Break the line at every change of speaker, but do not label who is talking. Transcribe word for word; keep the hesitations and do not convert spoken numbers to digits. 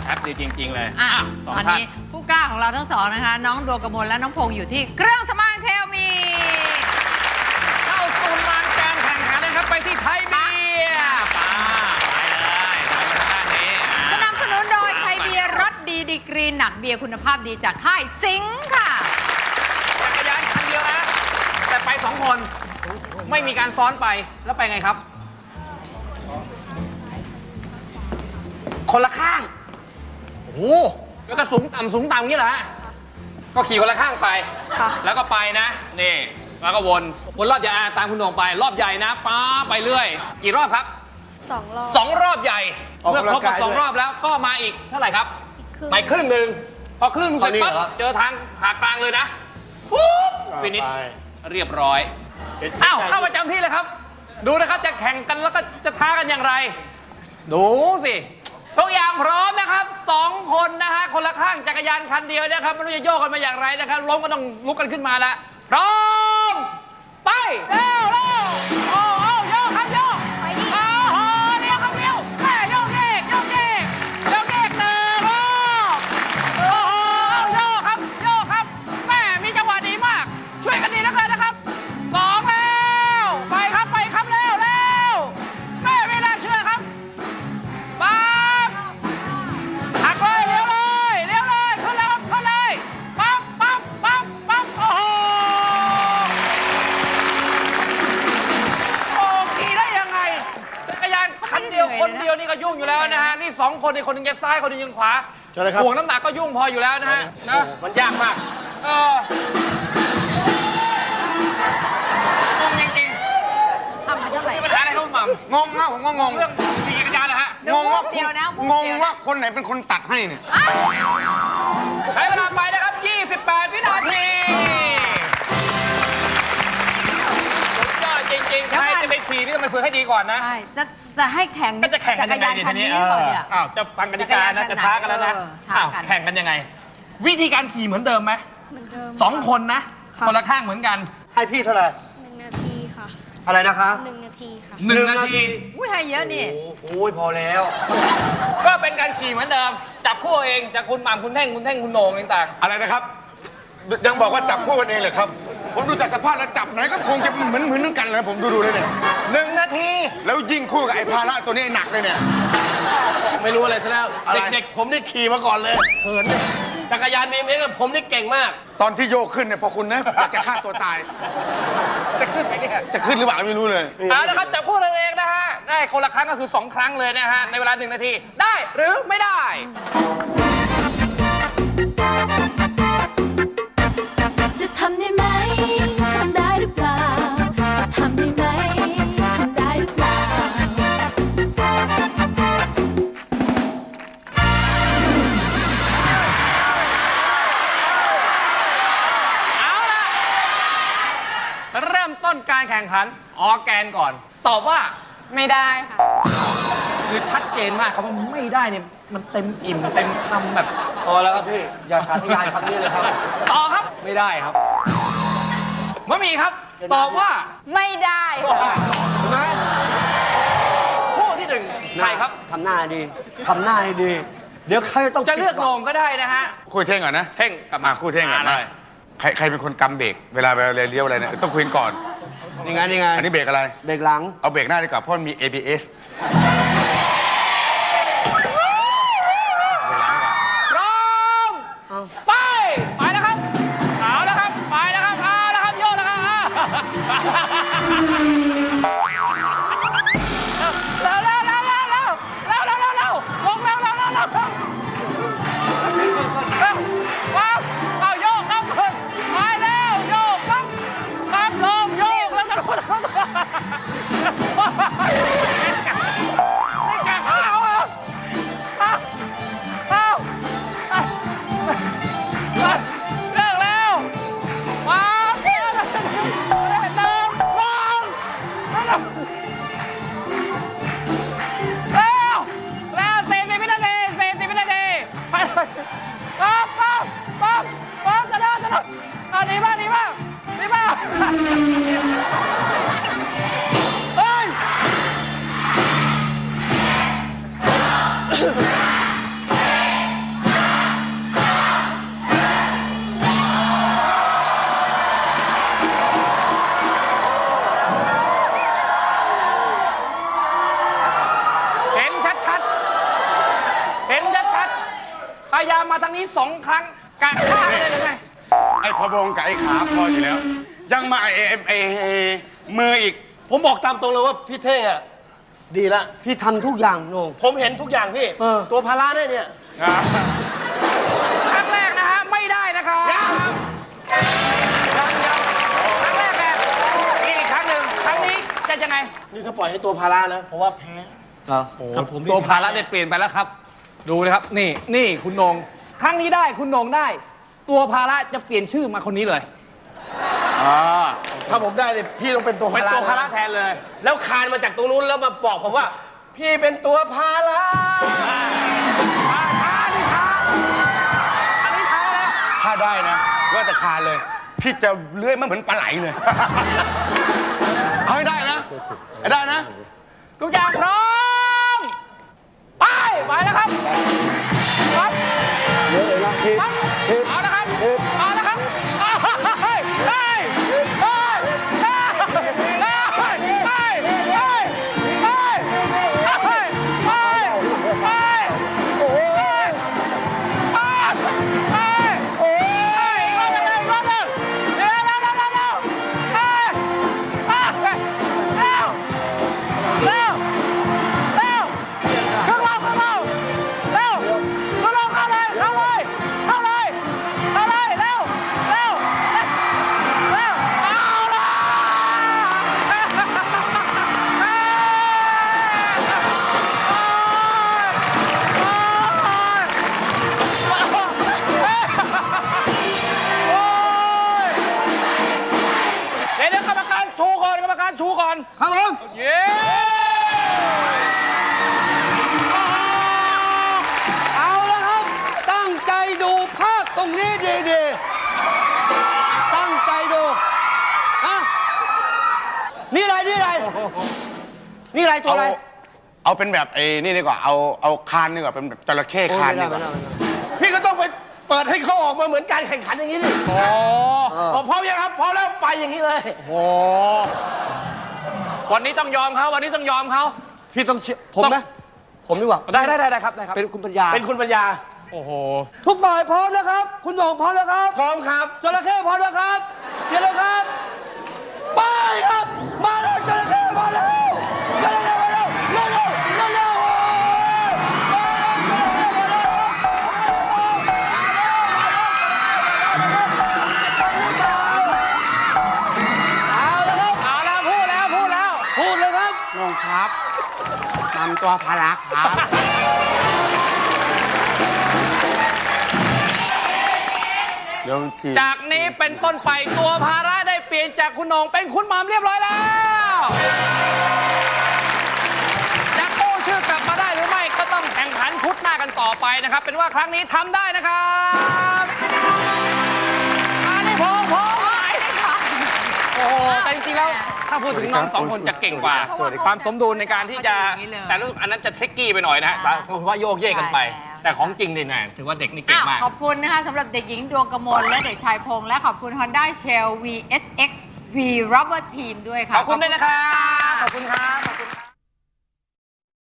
ป๊บเดียวจริงๆเลย
อ่ะ
สอง
ตอน
ท่าน
นี้ผู้กล้าของเราทั้งสองนะคะ น้องดวงกมลและน้องพงษ์อยู่ที่เครื่องสำอางเทลมี
เข้าสู่ลานการแข่งขันเลยครับไปที่ไทยเบียร์ป้าไปเลยไปทางด้านนี้
สนับสนุนโดยไทยเบียร์รสดีดีกรีหนักเบียร์คุณภาพดีจากค่ายสิงค์ค่ะ
จักรยานคันเดียวนะ แต่ไปสองคนไม่มีการซ้อนไปแล้วไปไงครับ คนละข้างโอ้โหแล้วก็สูงต่ำสูงต่ำอย่างนี้เหรอฮะก็ขี่คนละข้างไป แล้วก็ไปนะนี่แล้วก็วนวนรอบใหญ่ตามคุณโหน่งไป รอบใหญ่นะป้าไปเรื่อยกี่รอบครับ
สองรอบ
สองรอบใหญ่เมื่อครบกับสองรอบแล้วก็มาอีกเท่าไหร่ครับไปครึ่งหนึ่งพอครึ่งเสร็จปั๊บเจอทางผ่ากลางเลยนะปุ๊บฟินิชเรียบร้อยอ้าวเข้าประจำที่เลยครับ ดูนะครับจะแข่งกันแล้วก็จะท้ากันอย่างไร ดูสิทุกอย่างพร้อมนะครับสองคนนะฮะคนละข้างจักรยานคันเดียวนะครับไม่รู้จะโยกกันมาอย่างไรนะครับล้มก็ต้องลุกกันขึ้นมาละพร้อมไปเร็วเร็วโอ้โอ้โยกครับโยกไปดิโอ้โหเร็วครับเร็วแม่โยกเด็กโยกเด็กโยกเด็กเติมโอ้โหโยกครับโยกครับแม่มีจังหวะดีมากช่วยกันดีแล้วกันนะครับสองแล้วไปครับไปครับเร็วเร็วแม่เวลาเชื่อครับปั๊บหักเลยเร็วเลยเร็วเลยขึ้นแล้วครับขึ้นเลยปั๊บปั๊บปั๊บปั๊บโอ้โหโอ้ขี่ได้ยังไงจักรยานคันเดียวคนเดียวนี่ก็ยุ่งอยู่แล้วนะฮะนี่สองคนนี่คนหนึงจะซ้ายคนหนึงยังขวาห่วงน้ำหนักก็ยุ่งพออยู่แล้วนะฮะนะมันยากมากเอองงจริงๆ
ทำไปเท่าไหร่
มีปัญหาอะไรครับคุณหม่ำ
งงมากผมก็งง
เรื่องขี่จักรยานนะฮะ
งงว่า
เดียวนะ
งงว่าคนไหนเป็นคนตัดให้เนี่ย
ใช้เวลาไปนะครับ ยี่สิบแปด วินาทีสุดยอดจริงๆ ใครจะไปขี่นี่ต้องไปฝึกให้ดีก่อนนะ
ใช่จะจะให้แข่ง
ก็จะแข่งกันยังไง
จักรยานคันนี้
เอ
ก่อน
อ
เนี่ย
อ้าวจะฟังกติกานะ จะท้ากันแล้วนะ
เออท้า
อ้าว
กัน
แข่งกันยังไง วิธีการขี่เหมือนเดิมไหม
เหมือนเดิม
สองคนนะ
ค่ะ
คนละข้างเหมือนกัน
ให้พี่เท่าไหร่
หนึ่งนาทีค่ะ
อะไรนะคะ
หนึ่งนาทีค่ะ
หนึ่งนาที
อุ้ยให้เยอะนี่
โอ้ยพอแล้ว
ก็เป็นการขี่เหมือนเดิม จับคู่เองจากคุณหม่ำคุณเท่งคุณเท่งคุณโหน่งต่าง
อะไรนะครับ ยังบอกว่าจับคู่กันเองเหรอครับ ผมดูจากสภาพแล้วจับไหนก็คงจะเหมือนเหมือนกันเลยผมดูดูเลยเนี่ย
ๆหนึ่งนาที
แล้วยิ่งคู่กับไอ้ภาระตัวนี้หนักเลยเนี่ย
ไม่รู้อะไรซะแล้ว
อะไร
เด็กๆ ผมนี่ขี่มาก่อนเลยเหินเนี่ยจักรยานบีเอ็มเอ็กซ์ผมนี่เก่งมาก
ตอนที่โยกขึ้นเนี่ยพอคุณนะอยากจะฆ่าตัวตาย
จะขึ้นไหมเนี่ย
จะขึ้นหรือเปล่าไม่รู้เลย
เอาละครับจับคู่กันเองนะฮะ ได้คนละครั้งก็คือสองครั้งเลยนะฮะ ในเวลาหนึ่งนาที ได้หรือไม่ได้
จะทำได้ไหม ทำได้หรือเปล่า จะทำได้ไหม ทำได้หรือเปล่า
เอาล่ะ เริ่มต้นการแข่งขันออร์แกนก่อน ตอบว่า
ไม่ได้ค่ะ
คือชัดเจนมากครับว่าไม่ได้เนี่ย มันเต็มอิ่มเต็มคำแบบ
พอแล้วครับพี่ อย่าสาธยายคำนี้เลยครับ
ต่อครับ ไม่ได้ครับมะหมี่ครับ ตอบว่า
ไม่ได้ค่ะ
เห็นไหม
คู่ที่หนึ่งใครครับ
ทำหน้าดี ทำหน้าให้ดี เดี๋ยวใครต้อง
จะเลือกโหน่งก็ได้นะฮะ
คู่เท่งก่อนนะ
เท่งกลับ
มา
มา
คู่เท่งก่อน
ได้
ได้ใครใครเป็นคนกำเบรกเวลาเวลาเลี้ยวอะไรเนี่ยต้องคุยกันก่อน
นี่ไงนี่ไง
อันนี้เบรกอะไร
เบรกหลัง
เอาเบรกหน้าดีกว่าเพราะมันมี เอ บี เอส
พร้อม ไป ไปแล้วครับ เอาแล้วครับ ไปแล้วครับเอาแล้วครับ โยนแล้วครับเร็วเร็วเร็วเร็วเร็วเร็วเร็วเร็วเร็วลงเร็วเร็วเร็วเร็วเร็วเร็วว้าวเอาโยกครับไปแล้วโยกครับครับลงโยกแล้วจะลงแล้วเป็นกันเป็นกันเอาเอาเอาเอาเลิกแล้วมาเร็วเร็วเร็วลงแล้วแล้วสี่สิบวินาทีสี่สิบวินาทีไปเลยป๊อปป๊อปป๊อปป๊อปจะเดินจะเดินเอาดีมากดีมากดีมากเฮ้ยพยายามมาทางนี้สองครั้งกะฆ่าได้เลยไง
ไอ้พะวงกับไอ้ขาพออยู่แล้ว ยังมาไอ้ไอ้ไอ้ไอ้มืออีก
ผมบอกตามตรงเลยว่าพี่เท่งอ่ะดีละ
พี่ทำทุกอย่างโหนง
ผมเห็นทุกอย่างพี่
เออ
ตัวภาระเนี่ยเนี่ย
ครั้งแรกนะฮะไม่ได้นะครับยังยังครั้งแรกแบบอีกครั้งหนึ่งครั้งนี้จะยังไง
นี่ถ้าปล่อยให้ตัวภาระนะผมว่าแพ้
เหรอ
กับผม
ตัวภาระได้เปลี่ยนไปแล้วครับ ดูนะครับ นี่นี่คุณนงครั้งนี้ได้คุณนงได้ ตัวภาระจะเปลี่ยนชื่อมาคนนี้เลยอ่า
ถ้าผมได้เนี่ยพี่ต้องเป็นตัว
เป็น
ภาระ
ตัวภาระแทนเลย
แล้วคานมาจากตรงนู้นแล้วมาบอกผมว่า พี่เป็นตัวภาระ
อ่าท้าดิท้าอันนี้ท้าแล้ว
ถ้าได้นะ ว่าแต่คานเลย พี่จะเลื้อยมันเหมือนปลาไหลเลย เอาให้ได้นะให้ได้นะ
ทุกอย่างพร้อมไปไปแล้วครับครับ
เดี๋ยวเดี๋ยวนะที
ครับ
ที
เอาละครับเอาละครับเอาเฮ้ยเฮ้ยเฮ้ยเฮ้ยเฮ้ยเฮ้ยเฮ้ยเฮ้ยเฮ้ยเฮ้ยเฮ้ยเฮ้ยโอ้ยเฮ้ยเฮ้ยโอ้ยอีกรอบหนึ่งอีกรอบหนึ่งเร็วเร็วเร็วเร็วเร็วเฮ้ยเฮ้ยเร็วเร็วเร็วขึ้นมาขึ้นมาเร็วขึ้นมาเข้าเลยเข้าเลยเข้าเลยเข้าเลยเร็วเร็วเร็วเอาละเดี๋ยวเดี๋ยวกรรมการชูก่อนกรรมการชูก่อน
ครับผม
เย้
เอาละครับ ตั้งใจดูภาพตรงนี้ดีๆ ตั้งใจดูฮะนี่อะไร นี่อะไร นี่อะไรตัว
เอา
อะไร
เอาเป็นแบบไอ้นี่ดีกว่า เอาเอาคานดีกว่า เป็นแบบจระเข้
โอ้
คาน
ไม่
ดี
ได้
ก
ไม่
ว่า
ได้ไม่ได้
พี่ก็ต้องไปเปิดให้เขาออกมาเหมือนการแข่งขันอย่างนี้ดิ
โอ้
บอกพร้อมยังครับพร้อมแล้วไปอย่างนี้เลย
โหวันนี้ต้องยอมเขาวันนี้ต้องยอมเขา
พี่ต้องเชื่อผมนะ ผมดีกว่า
ได้ได้ได้ได้ครับได้ครับ
เป็นคุณปัญญา
เป็นคุณปัญญา
โอ้โห
ทุกฝ่ายพร้อมนะครับ คุณหน่องพร้อมแล้วครับ
พร้อมครับ
จระเข้พร้อมแล้วครับเดี๋ยวแล้วครับ ไปครับ มาแล้วจระเข้มาแล้วจระเข้มาแล้วเร็วเร็วเร็วเร็วโอ้ยมาแล้วจระเข้มาแล้วเอาละครับ
เอาแล้วพูดแล้วพูดแล้ว
พูดเลยครับ
น้องครับนำตัวพารักครับ เดี๋ยวที
จากนี้เป็นต้นไปตัวภาระได้เปลี่ยนจากคุณโหนงเป็นคุณหม่ำเรียบร้อยแล้วจะกู้ชื่อกลับมาได้หรือไม่ก็ต้องแข่งขันพุธหน้ากันต่อไปนะครับ เป็นว่าครั้งนี้ทำได้นะครับอันนี้พงพงไหนโอ้โหแต่จริงๆแล้วถ้าพูดถึงน้องสองคนจะเก่งกว่า
สวัสดีครับ
ความสมดุลในการที่จะ
เขาจะอย่างนี้เลย
แต่ลูกอันนั้นจะเทคกี้ไปหน่อยนะฮะแต่คือว่าโยกเยกกันไป
ใช่แล้ว
แต่ของจริงนี่นะถือว่าเด็กนี่เก่งมาก
ขอบคุณนะคะสำหรับเด็กหญิงดวงกมลและเด็กชายพงษ์และขอบคุณ Honda Shell วี เอส เอ็กซ์ V Rubber Team ด้วยค่ะ
ขอบคุณด้วยนะครับ ขอบคุณครับ ขอบคุณครับ